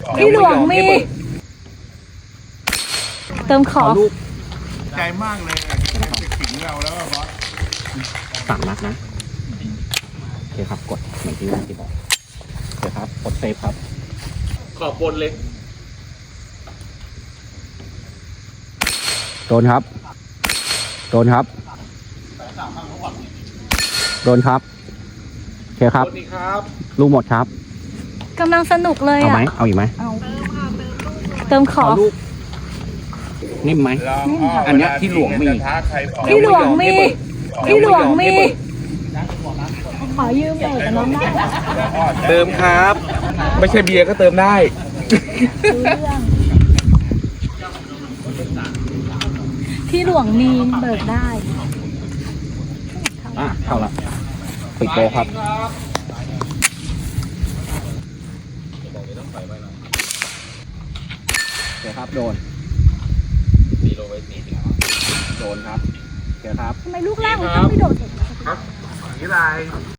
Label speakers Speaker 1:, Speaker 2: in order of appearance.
Speaker 1: พี่หลวงมีเติมขอ
Speaker 2: ใจมากเลยจะถึงเราแล้วบอส
Speaker 3: 3 นัดนะโอเคครับกดเหมือนที่ว่าที่บอกโอเคครับกดเซฟครับ
Speaker 2: ขอบบนเลย
Speaker 3: โดนครับโดนครับโดนครับโอเคครับ
Speaker 2: สวัสดีครับ
Speaker 3: ลูกหมดครับ
Speaker 1: กำลังสนุกเลย
Speaker 3: เอา
Speaker 1: อ่ะ
Speaker 3: ไหมเอาอีกไหม
Speaker 1: เอาเติมขอ
Speaker 3: ลูกนิ่มไหม อันเนี้ยที่หลวงมี
Speaker 1: พี่หลวงมีพี่หลวงมีขอยืมเบรกกับน้องได้
Speaker 2: เติมครับ ไม่ใช่เบียร์ก็เติมได้
Speaker 1: รู้เรื่องพี่หลวงมีเบิกได้
Speaker 3: เข้าละปิดโตครับโอเคครับโดนโดนครับโอเคครับ
Speaker 1: ทำไมลูกล่างมันต้องไม่โดดเด็ก
Speaker 2: นี่ลาย